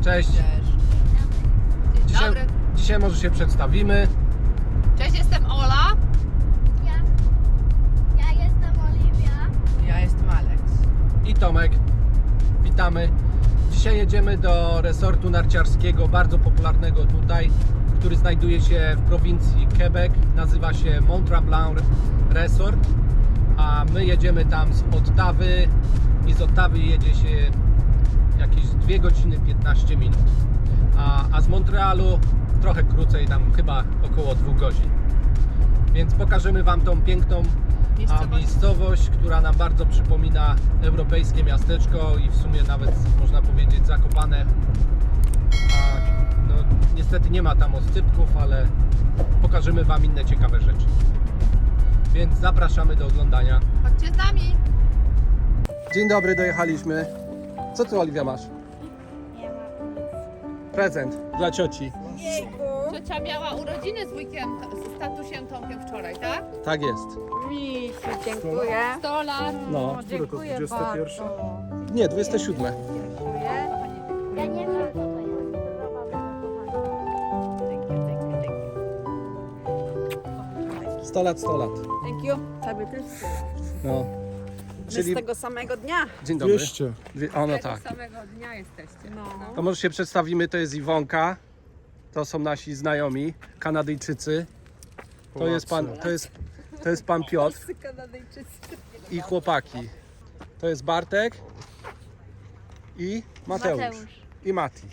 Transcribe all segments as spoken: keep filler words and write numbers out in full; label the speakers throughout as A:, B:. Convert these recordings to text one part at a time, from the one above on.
A: Cześć.
B: Cześć. Dzień
A: Dzisiaj,
B: dobry.
A: dzisiaj może się przedstawimy.
B: Cześć, jestem Ola.
C: Ja, ja jestem Oliwia.
B: Ja jestem Alex.
A: I Tomek. Witamy. Dzisiaj jedziemy do resortu narciarskiego, bardzo popularnego tutaj, który znajduje się w prowincji Quebec. Nazywa się Mont Tremblant Resort. A my jedziemy tam z Ottawy i z Ottawy jedzie się jakieś dwie godziny piętnaście minut. A, a z Montrealu trochę krócej, tam chyba około dwóch godzin. Więc pokażemy Wam tą piękną a
B: Miejscowość.
A: miejscowość, która nam bardzo przypomina europejskie miasteczko i w sumie nawet można powiedzieć Zakopane. A, no, niestety nie ma tam oscypków, ale pokażemy Wam inne ciekawe rzeczy. Więc zapraszamy do oglądania.
B: Chodźcie z nami.
A: Dzień dobry, dojechaliśmy. Co Ty, Oliwia, masz?
C: Nie ma.
A: Prezent dla cioci.
B: Ciocia miała urodziny z wujkiem, z tatusiem Tomkiem wczoraj, tak?
A: Tak jest.
D: Misiu, dziękuję.
B: sto lat.
A: No.
D: Dziękuję
E: dwudzieste pierwsze?
D: bardzo.
A: Nie, dwudzieste siódme.
D: Dziękuję.
C: Ja nie wiem, co to jest.
A: sto lat, sto lat.
D: Thank you. Sobie też.
A: No.
D: My
A: Czyli
D: z tego samego dnia.
A: dzień dobry.
E: dwieście.
A: Dwie- O, no tak.
B: samego dnia jesteście.
D: No.
A: To może się przedstawimy, to jest Iwonka. To są nasi znajomi, Kanadyjczycy. To jest pan, to jest, to jest pan Piotr
D: Kanadyjczycy.
A: i chłopaki. To jest Bartek i Mateusz.
C: Mateusz.
A: I Mati.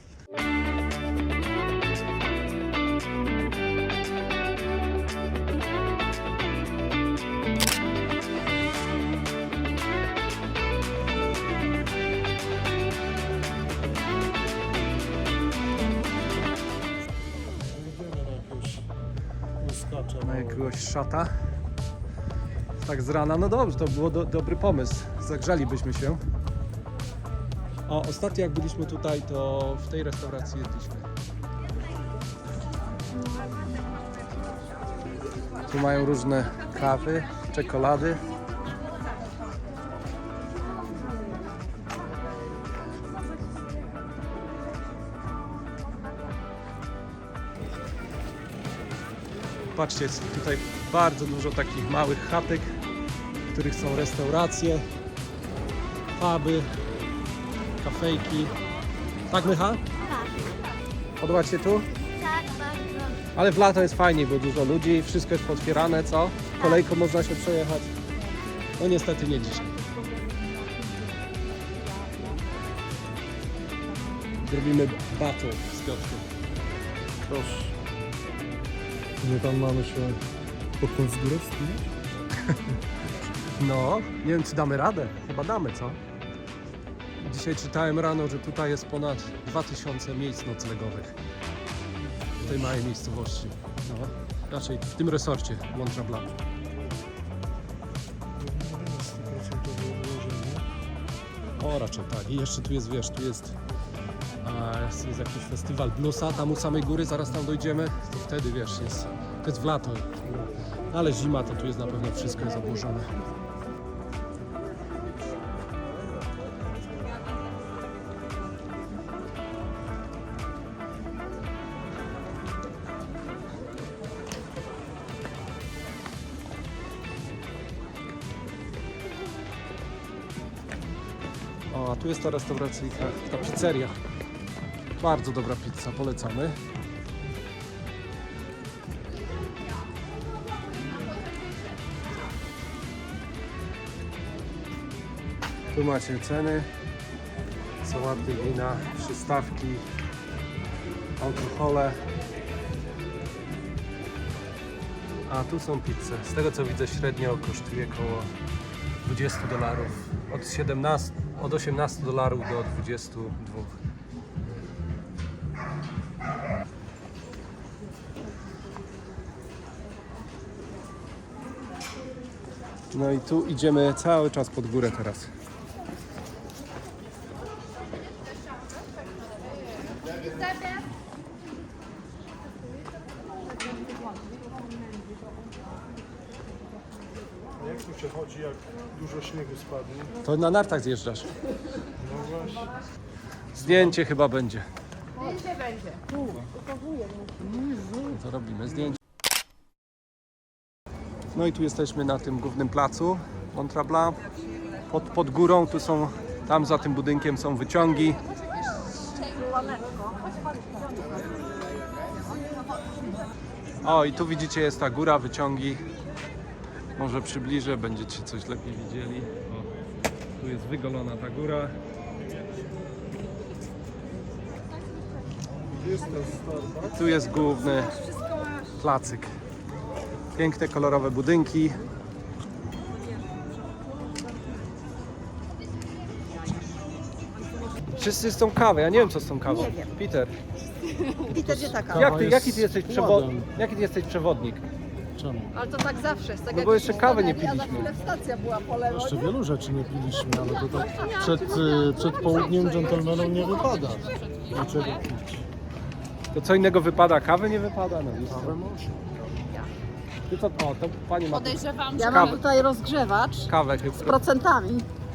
E: Idziemy na jakiegoś łyskacza.
A: Na jakiegoś szata. Tak z rana, no dobrze, to było do, dobry pomysł. Zagrzalibyśmy się. O, ostatnio jak byliśmy tutaj, to w tej restauracji jedliśmy. Tu mają różne kawy, czekolady. Patrzcie, jest tutaj bardzo dużo takich małych chatek, w których są restauracje, puby, kafejki. Tak, Mycha?
C: Tak,
A: Podoba Ci się tu?
C: tak, bardzo.
A: Ale w lato jest fajniej, bo dużo ludzi, wszystko jest potwierane, co? Kolejką można się przejechać. No niestety nie dzisiaj. Zrobimy battle z Piotrkiem.
E: Proszę. My tam mamy się popchnąć z góry wspinać?
A: No, nie wiem czy damy radę. Chyba damy, co? Dzisiaj czytałem rano, że tutaj jest ponad dwa tysiące miejsc noclegowych. W tej małej miejscowości. No, raczej w tym resorcie Mont Tremblant.
E: sto procent ułożenie.
A: O, raczej tak. I jeszcze tu jest, wiesz, tu jest, a, jest, jest jakiś festiwal bluesa, tam u samej góry, zaraz tam dojdziemy. To wtedy, wiesz, jest, to jest w lato. Ale zima, to tu jest na pewno wszystko jest obłożone. O, a tu jest ta restauracyjka, ta pizzeria. Bardzo dobra pizza, polecamy. Tu macie ceny, sałaty, wina, przystawki, alkohole. A tu są pizze. Z tego co widzę średnio kosztuje około dwadzieścia dolarów. Od siedemnastu, od osiemnastu dolarów do dwudziestu dwóch. No i tu idziemy cały czas pod górę teraz.
E: A jak tu się chodzi, jak dużo śniegu spadnie?
A: To na nartach zjeżdżasz.
E: No właśnie.
A: Zdjęcie chyba będzie.
B: Zdjęcie będzie.
A: Co robimy? Zdjęcie. No i tu jesteśmy na tym głównym placu Mont Blanc. Pod, pod górą, tu są, tam za tym budynkiem są wyciągi. O, i tu widzicie, jest ta góra, wyciągi. Może przybliżę, będziecie coś lepiej widzieli. O, tu jest wygolona ta góra. Tu jest główny placyk. Piękne, kolorowe budynki. Wszyscy z tą kawę, ja nie wiem co z tą kawą.
D: Nie wiem.
A: Peter,
D: Peter, gdzie taka?
A: jak ty,
E: jest
A: jaki, ty jesteś przewo-
E: ładem.
A: jaki ty jesteś przewodnik?
E: Czemu?
D: Ale to tak zawsze jest. Tak
A: No
D: jak
A: bo jeszcze
D: się
A: kawy nie
D: stanęli, a za
A: piliśmy.
D: chwilę stacja była po lewo.
E: Jeszcze wielu rzeczy nie piliśmy, ale to tak przed, y, przed południem dżentelmenom nie wypada niczego pić.
A: To co innego wypada? Kawy nie wypada? No, wiesz co?
E: Kawę może.
A: Ty co? O, to pani ma tu
B: Podejrzewam,
D: Ja
B: że
D: mam
A: Kawę.
D: tutaj rozgrzewacz
A: kawę
D: z
A: chyba.
D: procentami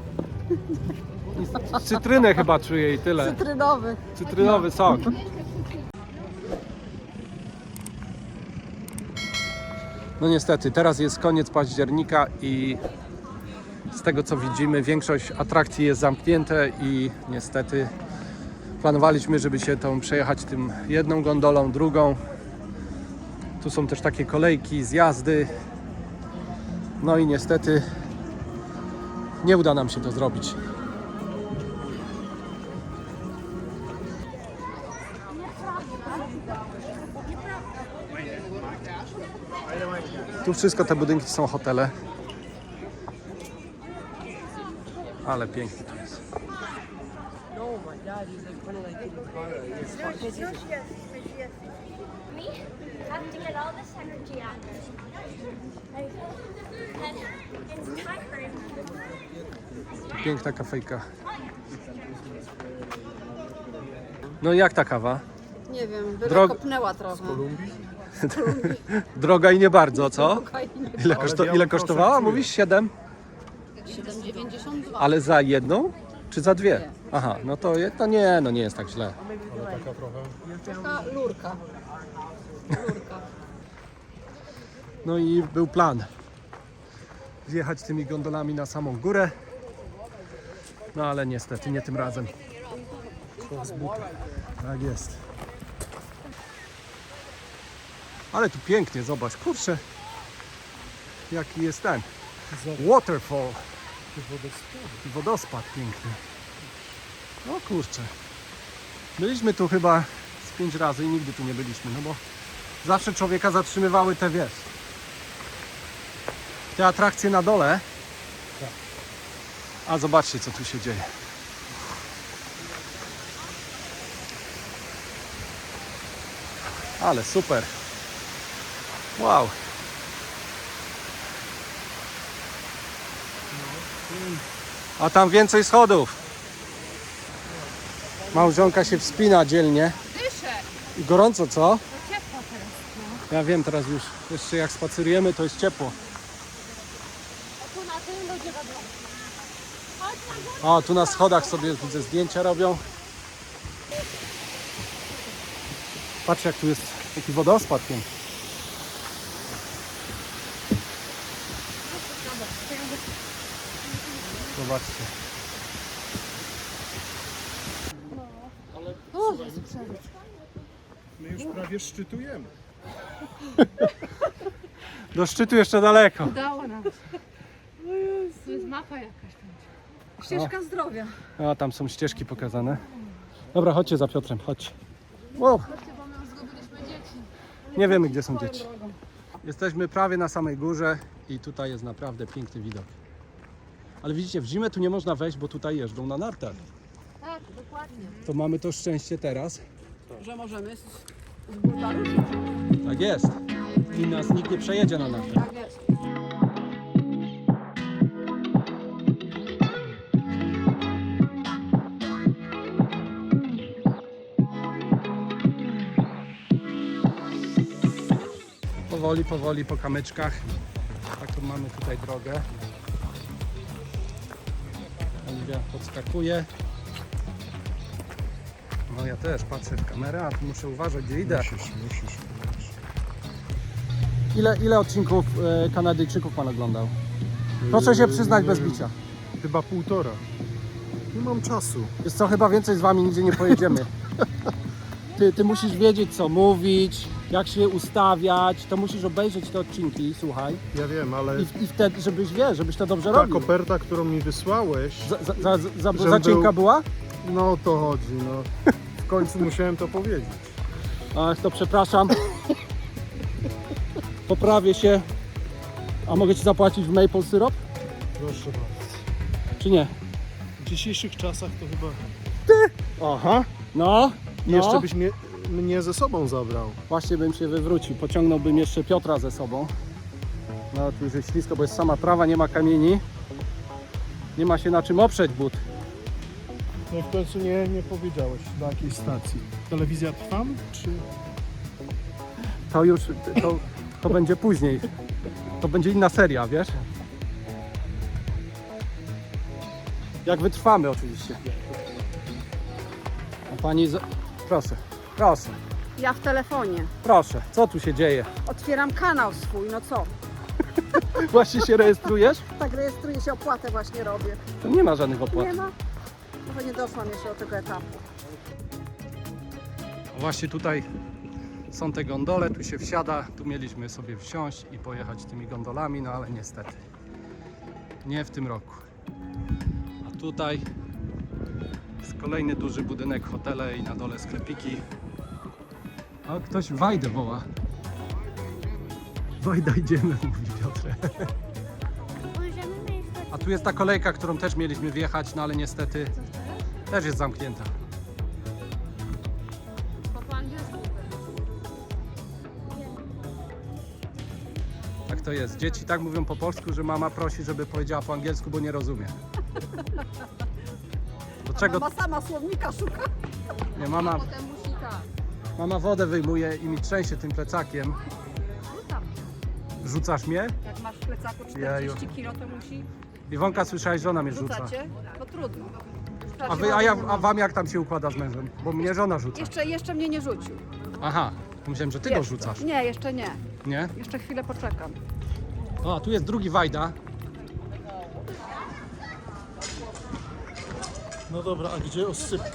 A: Cytrynę chyba czuję i tyle.
D: cytrynowych.
A: Cytrynowy sok. No niestety, teraz jest koniec października i z tego co widzimy, większość atrakcji jest zamknięte i niestety planowaliśmy, żeby się tą przejechać tym jedną gondolą, drugą. Tu są też takie kolejki, zjazdy. No i niestety nie uda nam się to zrobić. Tu wszystko te budynki są hotele. Ale pięknie to jest.
C: Me? Have to get all this energy out of this. And it's tiring.
A: Piękna kafejka. No i jak ta kawa?
D: Nie wiem,
A: Drog-
D: Drog... kopnęła trochę.
A: Droga i nie bardzo, co?
D: Fajnie.
A: Ile, koszto, ile kosztowała? Mówisz siedem?
D: siedem dziewięćdziesiąt dwa.
A: Ale za jedną? Czy za dwie? Aha, no to, je- to nie, no nie jest tak źle.
E: Ale taka trochę.
D: Taka lurka. Lurka.
A: No i był plan wjechać tymi gondolami na samą górę. No ale niestety nie tym razem. Tak jest. Ale tu pięknie, zobacz, kurczę. Jaki jest ten waterfall. I wodospad piękny. No kurczę. Byliśmy tu chyba z pięć razy i nigdy tu nie byliśmy, no bo zawsze człowieka zatrzymywały te, wiesz, te atrakcje na dole. A zobaczcie, co tu się dzieje. Ale super. Wow. A tam więcej schodów. Małżonka się wspina dzielnie.
B: dyszę.
A: I gorąco, co?
B: To ciepło teraz. No.
A: Ja wiem, teraz już jeszcze jak spacerujemy, to jest ciepło.
B: A tu na tym ludzie robią. Chodź na górę.
A: O, tu na schodach sobie widzę zdjęcia robią. Patrz jak tu jest taki wodospad piękny. Zobaczcie.
E: My już prawie szczytujemy.
A: Do szczytu jeszcze daleko.
B: Udało nam się. Tu jest mapa jakaś tam.
D: Ścieżka zdrowia.
A: A tam są ścieżki pokazane. Dobra, chodźcie za Piotrem, chodź. Wow.
B: Chodźcie, bo my już zgubiliśmy dzieci.
A: Nie wiemy, gdzie są dzieci. Jesteśmy prawie na samej górze i tutaj jest naprawdę piękny widok. Ale widzicie, w zimę tu nie można wejść, bo tutaj jeżdżą na nartach.
B: Tak, dokładnie.
A: To mamy to szczęście teraz.
D: Że możemy z, z burta ruszyć.
A: Tak jest. I nas nikt nie przejedzie na nartach.
D: Tak jest.
A: Powoli, powoli po kamyczkach. Taką mamy tutaj drogę. Oliwia podskakuje. No ja też patrzę w kamerę, a tu muszę uważać, gdzie idę.
E: Musisz, musisz, musisz.
A: Ile, ile odcinków e, Kanadyjczyków pan oglądał? Proszę się przyznać
E: Nie
A: bez
E: wiem.
A: bicia.
E: Chyba półtora. Nie mam czasu.
A: Jest co, chyba więcej z wami nigdzie nie pojedziemy. Ty, ty musisz wiedzieć, co mówić, jak się ustawiać, to musisz obejrzeć te odcinki, słuchaj.
E: Ja wiem, ale
A: I, i wtedy, żebyś wiesz, żebyś to dobrze
E: ta
A: robił.
E: koperta, którą mi wysłałeś,
A: Za, za, za, za,
E: Żebym
A: za cienka
E: był-
A: była?
E: no o to chodzi, no. W końcu musiałem to powiedzieć.
A: Ach, to przepraszam. Poprawię się. A mogę ci zapłacić w maple syrop?
E: Proszę bardzo.
A: Czy nie?
E: W dzisiejszych czasach to chyba...
A: Aha. No. no.
E: Jeszcze byś mnie, mnie ze sobą zabrał.
A: Właśnie bym się wywrócił. Pociągnąłbym jeszcze Piotra ze sobą. No tu już jest ślisko, bo jest sama trawa, nie ma kamieni. Nie ma się na czym oprzeć but.
E: No i w końcu nie, nie powiedziałeś do jakiej stacji. Telewizja Trwam, czy...
A: To już, to, to będzie później. To będzie inna seria, wiesz? Jak wytrwamy oczywiście. A pani, z... proszę, proszę,
D: Ja w telefonie.
A: proszę, co tu się dzieje?
D: Otwieram kanał swój, no co?
A: Właśnie się rejestrujesz?
D: Tak rejestruję się, opłatę właśnie robię.
A: To nie ma żadnych opłat.
D: Nie ma? Może nie doszłam jeszcze do tego etapu.
A: Właśnie tutaj są te gondole, tu się wsiada, tu mieliśmy sobie wsiąść i pojechać tymi gondolami, no ale niestety nie w tym roku. A tutaj jest kolejny duży budynek, hotele i na dole sklepiki. A ktoś Wajdę woła. Wajda, idziemy, mówi Piotrek.
C: Możemy mieć
A: A tu jest ta kolejka, którą też mieliśmy wjechać, no ale niestety też jest zamknięta. Tak to jest. Dzieci tak mówią po polsku, że mama prosi, żeby powiedziała po angielsku, bo nie rozumie. Do czego?
D: Mama sama słownika szuka.
A: Nie, mama,
D: Potem musi tak.
A: mama wodę wyjmuje i mi trzęsie tym plecakiem.
D: Rzucam.
A: Rzucasz mnie?
D: Jak masz w plecaku
A: Jeju.
D: czterdzieści kilo, to musi...
A: Iwonka, słyszałeś, żona mnie rzuca.
D: Rzucacie? No trudno.
A: A, wy, a, ja, a wam jak tam się układa z mężem? Bo mnie żona rzuca.
D: Jeszcze, jeszcze mnie nie rzucił.
A: Aha, myślałem, że ty go
D: Jeszcze.
A: rzucasz.
D: Nie, jeszcze nie.
A: Nie?
D: Jeszcze chwilę poczekam.
A: O, a tu jest drugi Wajda.
E: No dobra, a gdzie osypkę?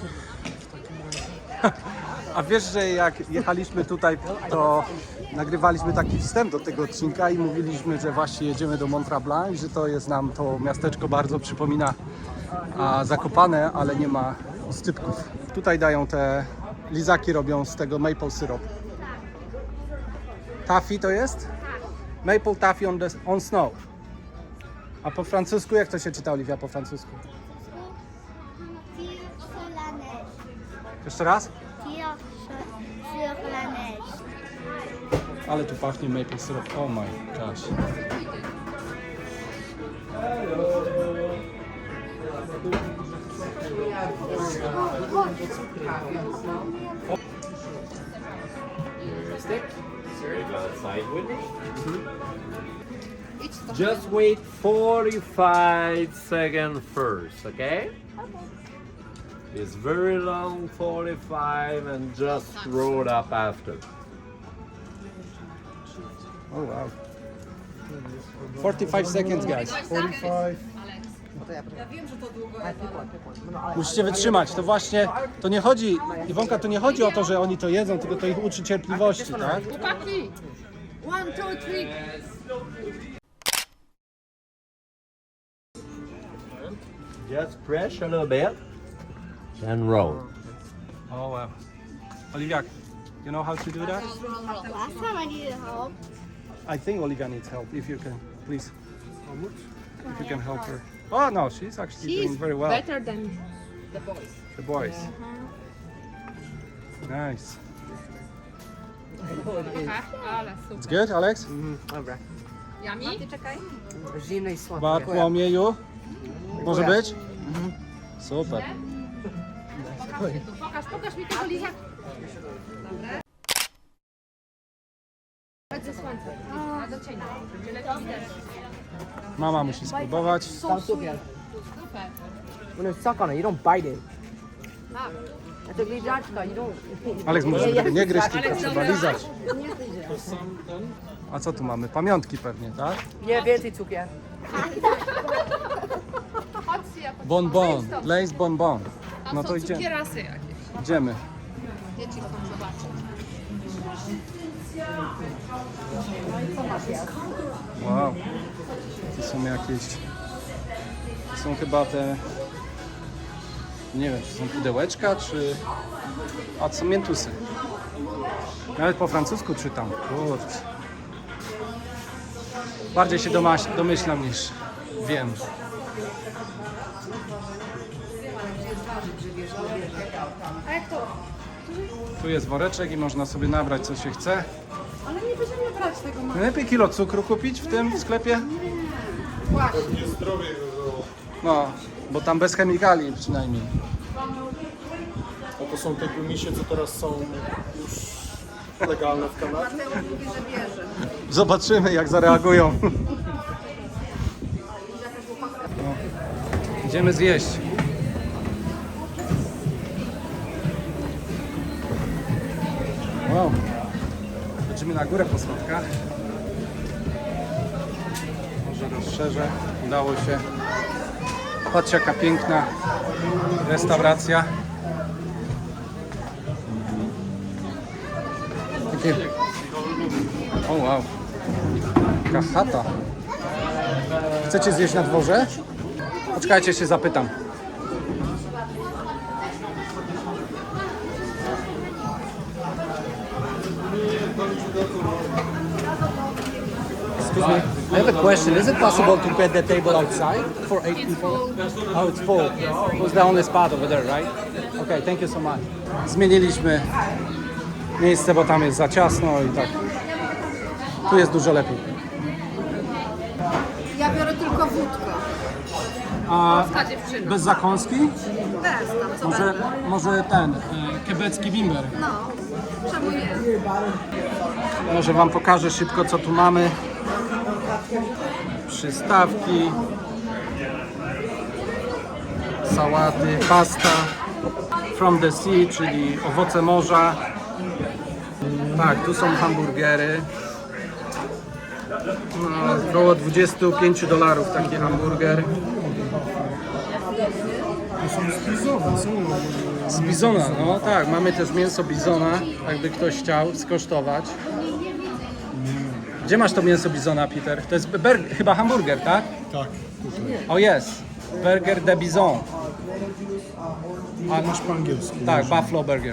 A: A wiesz, że jak jechaliśmy tutaj, to nagrywaliśmy taki wstęp do tego odcinka i mówiliśmy, że właśnie jedziemy do Mont Tremblant i że to jest nam to miasteczko bardzo przypomina a, Zakopane, ale nie ma oscypków. Tutaj dają te lizaki, robią z tego maple syrup. Taffy to jest? Maple taffy on, the, on snow. A po francusku, jak to się czyta, Oliwia, po francusku?
C: Tire sur la neige.
A: Jeszcze raz?
C: Tire sur, sur la neige.
A: Ale tu pachnie maple syrup. Oh my gosh.
F: Just wait forty-five seconds first, okay? It's very long, forty-five, and just roll up after.
A: Oh wow. forty-five seconds, guys.
E: forty-five.
A: Musicie wytrzymać. To właśnie, to nie chodzi, Iwonka, to nie chodzi o to, że oni to jedzą, tylko to ich uczy cierpliwości, tak?
D: Chłopaki! One, two, three.
F: Just press a little bit and roll.
A: Oh wow. Olivia, you know how to do that?
C: Last time I needed help.
A: I think Olivia needs help. If you can, please. If you can help her. Oh no, she's actually doing very well.
D: Better than the boys.
A: The boys. Nice.
B: Ale super.
A: It's good, Alex?
G: Dobra.
B: Yummy?
G: Zimne i słodkie.
A: Bartłomieju? Może być? Super.
B: Pokaż, pokaż mi tego lizaka. Chodź ze słońca. A do cienia. Będzie lepiej widać.
A: Mama musi spróbować.
G: Sounds so good.
B: Super.
G: When you suck on it, you don't bite it.
B: Tak.
G: To glizaczka, idą.
A: Aleks może żeby nie gryźć, tylko trzeba lizać. A co tu mamy? Pamiątki pewnie, tak?
G: Nie, więcej cukier.
B: Chodźcie jakoś.
A: Bonbon, Lays bonbon. No to idziemy.
B: Cukierasy jakieś.
A: Idziemy.
B: Dzieci chcą zobaczyć.
A: Wow. To są jakieś... To są chyba te... Nie wiem, czy są pudełeczka, czy... A, to są miętusy. Nawet po francusku czytam. Kurczę. Bardziej się domaś- domyślam niż wiem.
B: A jak to?
A: Tu jest woreczek i można sobie nabrać co się chce.
D: Ale nie będziemy brać tego.
A: Najlepiej kilo cukru kupić w tym sklepie?
E: Pewnie zdrowie by było.
A: No, bo tam bez chemikali przynajmniej.
E: A to są te gumisie, co teraz są już legalne w Kanadzie.
D: Mówi, że bierze.
A: Zobaczymy jak zareagują. No. Idziemy zjeść. Wow. Lecimy na górę po schodkach. Może rozszerzę. Udało się. Patrzcie jaka piękna restauracja. Takie... O wow. Taka chata. Chcecie zjeść na dworze? Poczekajcie, się zapytam. Excuse me. I have a question. Is it possible to get the table outside for eight people? Oh, it's full. It was the only spot over there, right? Okay, thank you so much. Zmieniliśmy miejsce, bo tam jest za ciasno i tak. Tu jest dużo lepiej.
D: Ja biorę tylko wódkę.
A: A
B: Ta dziewczyna.
A: bez zakąski?
D: Bez tam, co
A: Może,
D: będzie.
A: może ten, e, kebecki bimber.
D: No, czemu nie?
A: Może wam pokażę szybko co tu mamy. Przystawki. Sałaty, pasta. From the sea, czyli owoce morza. Tak, tu są hamburgery. No, około dwadzieścia pięć dolarów taki hamburger. Z bizona, no tak, mamy też mięso bizona, jakby ktoś chciał skosztować. Gdzie masz to mięso bizona, Peter? To jest ber- chyba hamburger, tak?
E: Tak, tutaj.
A: O jest, burger de bizon.
E: A masz po angielsku.
A: Tak, buffalo burger.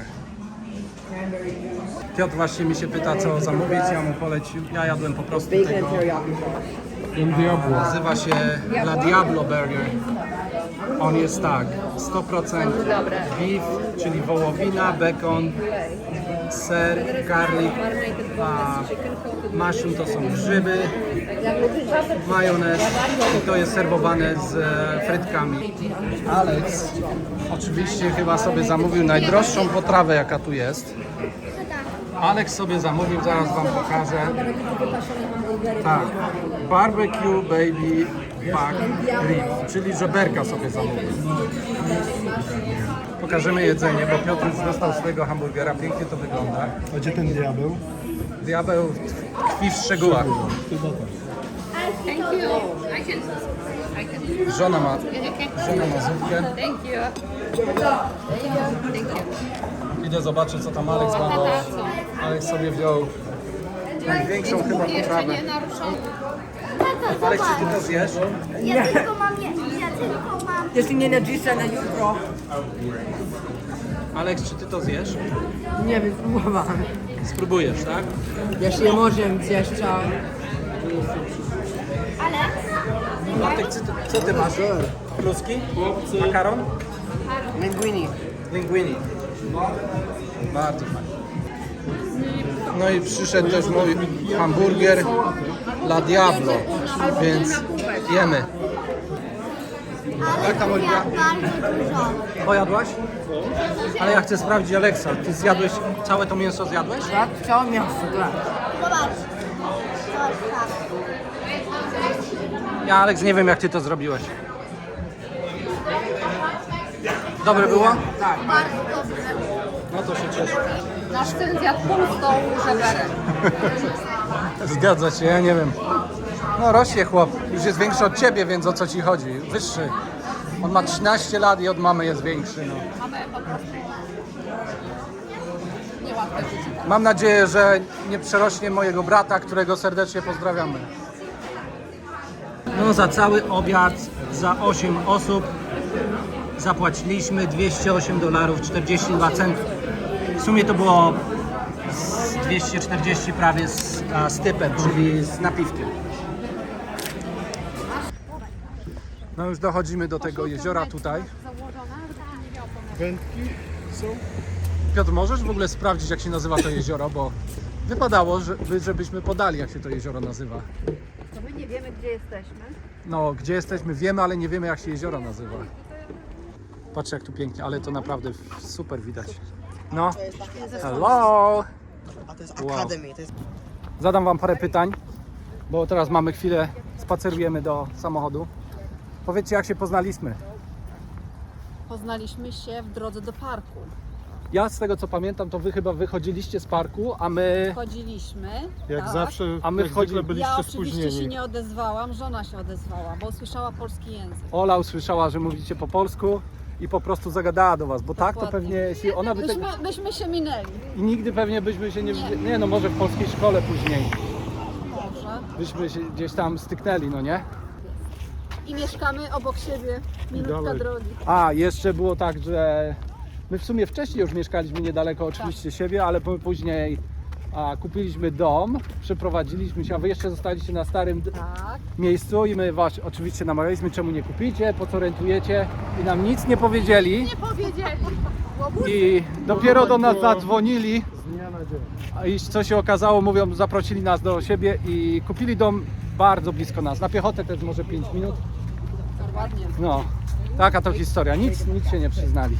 A: Piotr właśnie mi się pyta co zamówić, ja mu polecił, ja jadłem po prostu tego. Nazywa się La Diablo Burger. On jest tak, sto procent beef, czyli wołowina, bekon, ser, garlic, a mushroom to są grzyby, majonez i to jest serwowane z e, frytkami. Alex oczywiście chyba sobie zamówił najdroższą potrawę jaka tu jest. Alex sobie zamówił, zaraz wam pokażę. Tak, barbecue baby back rib, czyli żeberka sobie zamówił. Pokażemy jedzenie, bo Piotr już dostał swojego hamburgera, pięknie to wygląda.
E: A gdzie ten diabeł?
A: Diabeł tkwi w szczegółach.
E: Chyba tak.
B: Thank you. I can. I can.
A: Żona ma,
B: Okay.
A: żona ma zupkę.
B: Thank you. Thank you.
A: Idę zobaczyć co tam Alex ma, bo Alex sobie wziął największą chyba
B: Jeszcze
A: potrawę.
B: nie naruszony.
C: Tata,
A: Alex, czy
C: zobacz.
A: ty to zjesz?
C: Ja tylko mam, je, ja tylko mam.
G: Jeśli nie na dzisiaj, na jutro.
A: Alex, czy ty to zjesz?
G: Nie wiem, spróbowałem.
A: Spróbujesz, tak?
G: Jeśli nie możemy zjeść, to...
C: Ale
A: Bartek, co ty, co ty masz? Kluski? Makaron?
G: Linguini.
A: Linguini. Bardzo fajnie. No i przyszedł też mój hamburger La Diablo, więc jemy. Jak tam Oliwia?
C: bardzo dużo.
A: Pojadłaś? Ale ja chcę sprawdzić Aleksa, ty zjadłeś, całe to mięso zjadłeś?
G: Tak? Całe miasto, tak.
C: Zobacz. Zobacz, tak.
A: Ja Aleks nie wiem jak ty to zrobiłeś. Dobre było?
G: Tak.
A: No to się cieszę.
D: Nasz syn zjadł pół stołu żeberek.
A: Zgadza się, ja nie wiem. No rośnie chłop, już jest większy od ciebie, więc o co ci chodzi? Wyższy. On ma trzynaście lat i od mamy jest większy. No.
D: Mamy po prostu niełatwe życie.
A: Mam nadzieję, że nie przerośnie mojego brata, którego serdecznie pozdrawiamy. No za cały obiad, za osiem osób zapłaciliśmy dwieście osiem dolarów czterdzieści dwa centów. W sumie to było z dwieście czterdzieści prawie z, a, z typem, czyli z napiwkiem. No już dochodzimy do tego jeziora tutaj.
E: Wędki są?
A: Piotr, możesz w ogóle sprawdzić, jak się nazywa to jezioro, bo wypadało, żeby, żebyśmy podali, jak się to jezioro nazywa.
D: To my nie wiemy, gdzie jesteśmy.
A: No, gdzie jesteśmy wiemy, ale nie wiemy, jak się jezioro nazywa. Patrz, jak tu pięknie, ale to naprawdę super widać. No, hello!
G: A to jest
A: Wow.
G: Academy. To jest...
A: Zadam wam parę pytań, bo teraz mamy chwilę, spacerujemy do samochodu. Powiedzcie, jak się poznaliśmy.
D: Poznaliśmy się w drodze do parku.
A: Ja z tego, co pamiętam, to wy chyba wychodziliście z parku, a my...
D: Chodziliśmy.
E: Jak
D: tak.
E: zawsze,
A: A my
E: jak
A: wchodzi-
E: zwykle byliście
D: Ja oczywiście się
E: spóźnieni.
D: nie odezwałam, żona się odezwała, bo usłyszała polski język.
A: Ola usłyszała, że mówicie po polsku i po prostu zagadała do was, bo tak to
D: Dokładnie.
A: pewnie, jeśli ona by tak...
D: Myśmy, myśmy się minęli.
A: I nigdy pewnie byśmy się nie... Nie no, może w polskiej szkole później.
D: Może.
A: Byśmy się gdzieś tam styknęli, no nie?
D: I mieszkamy obok siebie. Minutka
E: dalej.
D: drogi.
A: A, jeszcze było tak, że my w sumie wcześniej już mieszkaliśmy niedaleko oczywiście siebie, ale po- później a, kupiliśmy dom, przeprowadziliśmy się, a wy jeszcze zostaliście na starym d-
D: Tak.
A: miejscu i my was oczywiście namawialiśmy, czemu nie kupicie, po co rentujecie i nam nic nie powiedzieli
B: Nie powiedzieli.
A: i dopiero do nas
E: było-
A: zadzwonili
E: Z dnia na dzień.
A: a i co się okazało, mówią, zaprosili nas do siebie i kupili dom bardzo blisko nas, na piechotę też może pięć minut.
D: Ładnie.
A: No, taka to historia, nic, nic się nie przyznali.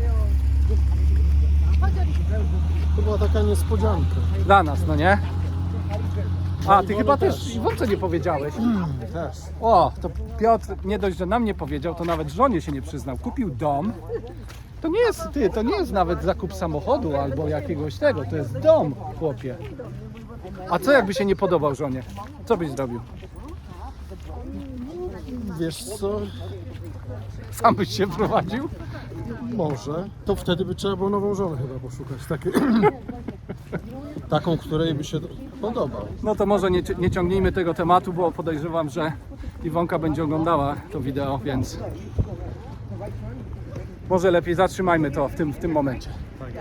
E: To była taka niespodzianka.
A: Dla nas, no nie? A, ty chyba też Iwonce nie powiedziałeś.
E: Też.
A: O, to Piotr nie dość, że nam nie powiedział, to nawet żonie się nie przyznał. Kupił dom. To nie jest, ty, to nie jest nawet zakup samochodu albo jakiegoś tego, to jest dom, chłopie. A co jakby się nie podobał żonie? Co byś zrobił?
E: Wiesz co?
A: Sam byś się prowadził?
E: Może. To wtedy by trzeba było nową żonę chyba poszukać. Takie... Taką, której by się podobał.
A: No to może nie, nie ciągnijmy tego tematu, bo podejrzewam, że Iwonka będzie oglądała to wideo, więc może lepiej zatrzymajmy to w tym, w tym momencie.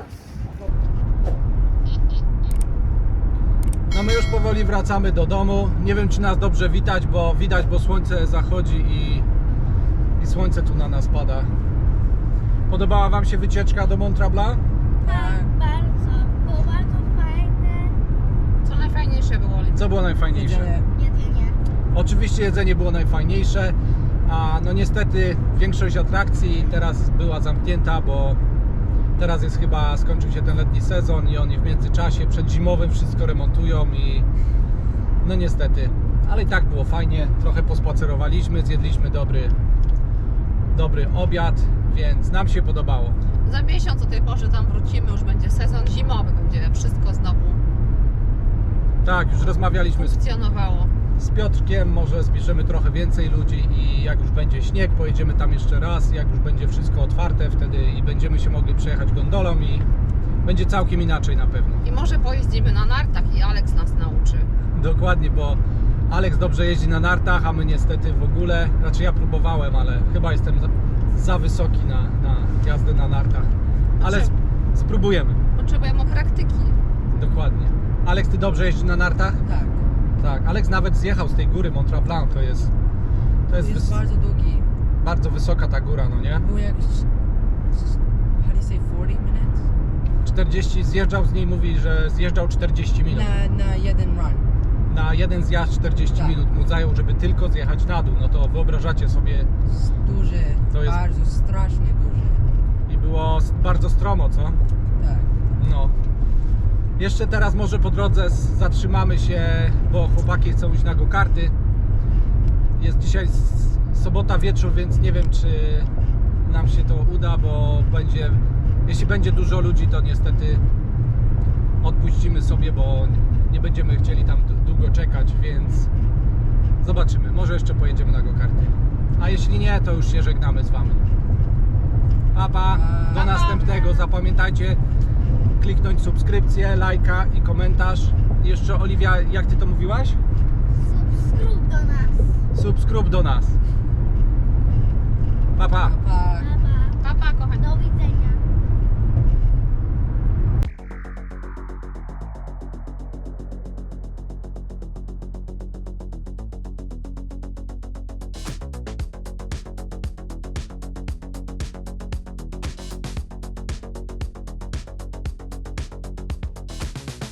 A: No my już powoli wracamy do domu. Nie wiem, czy nas dobrze widać, bo widać, bo słońce zachodzi i, i słońce tu na nas pada. Podobała wam się wycieczka do Mont Tremblant?
C: Tak, bardzo. Było bardzo fajne.
B: Co najfajniejsze było, Oli?
A: Co było najfajniejsze?
G: Jedzenie.
C: Jedzenie.
A: Oczywiście jedzenie było najfajniejsze, a no niestety większość atrakcji teraz była zamknięta, bo teraz jest chyba, skończył się ten letni sezon i oni w międzyczasie przed zimowym wszystko remontują i no niestety, ale i tak było fajnie, trochę pospacerowaliśmy, zjedliśmy dobry, dobry obiad, więc nam się podobało.
B: Za miesiąc o tej porze tam wrócimy, już będzie sezon zimowy, będzie wszystko znowu
A: Tak, już rozmawialiśmy z
B: funkcjonowało.
A: Z Piotrkiem może zbierzemy trochę więcej ludzi i jak już będzie śnieg, pojedziemy tam jeszcze raz, jak już będzie wszystko otwarte wtedy i będziemy się mogli przejechać gondolą i będzie całkiem inaczej na pewno.
B: I może pojeździmy na nartach i Alex nas nauczy.
A: Dokładnie, bo Alex dobrze jeździ na nartach, a my niestety w ogóle, znaczy ja próbowałem, ale chyba jestem za, za wysoki na, na jazdę na nartach, ale
B: Znaczy-
A: sp- spróbujemy,
B: Potrzebujemy praktyki.
A: dokładnie. Alex, ty dobrze jeździsz na nartach?
G: Tak.
A: Tak, Alex nawet zjechał z tej góry Mont Tremblant, to jest, to jest,
G: Jest
A: wys-
G: bardzo długi.
A: bardzo wysoka ta góra, no nie?
G: Było jakieś... How do you say forty minutes?
A: czterdzieści, zjeżdżał z niej, mówi, że zjeżdżał czterdzieści minut.
G: Na, na jeden run.
A: Na jeden zjazd czterdzieści
G: Tak.
A: minut mu zajął, żeby tylko zjechać na dół. No to wyobrażacie sobie,
G: Jest duży.
A: To jest-
G: Bardzo, strasznie duży.
A: i było s- bardzo stromo, co?
G: Tak.
A: No. Jeszcze teraz może po drodze s- zatrzymamy się, bo chłopaki chcą iść na go-karty. Jest dzisiaj s- sobota wieczór, więc nie wiem, czy nam się to uda, bo będzie, jeśli będzie dużo ludzi, to niestety odpuścimy sobie, bo nie będziemy chcieli tam d- długo czekać, więc zobaczymy. Może jeszcze pojedziemy na go-karty. A jeśli nie, to już się żegnamy z Wami. Pa, pa. Do następnego. Zapamiętajcie kliknąć subskrypcję, lajka i komentarz. I jeszcze Oliwia, jak Ty to mówiłaś?
C: Subskryb do nas.
A: Subskryb do nas. Pa, pa.
G: Pa.
C: Pa, pa.
B: Pa, pa, kochani.
C: Do widzenia.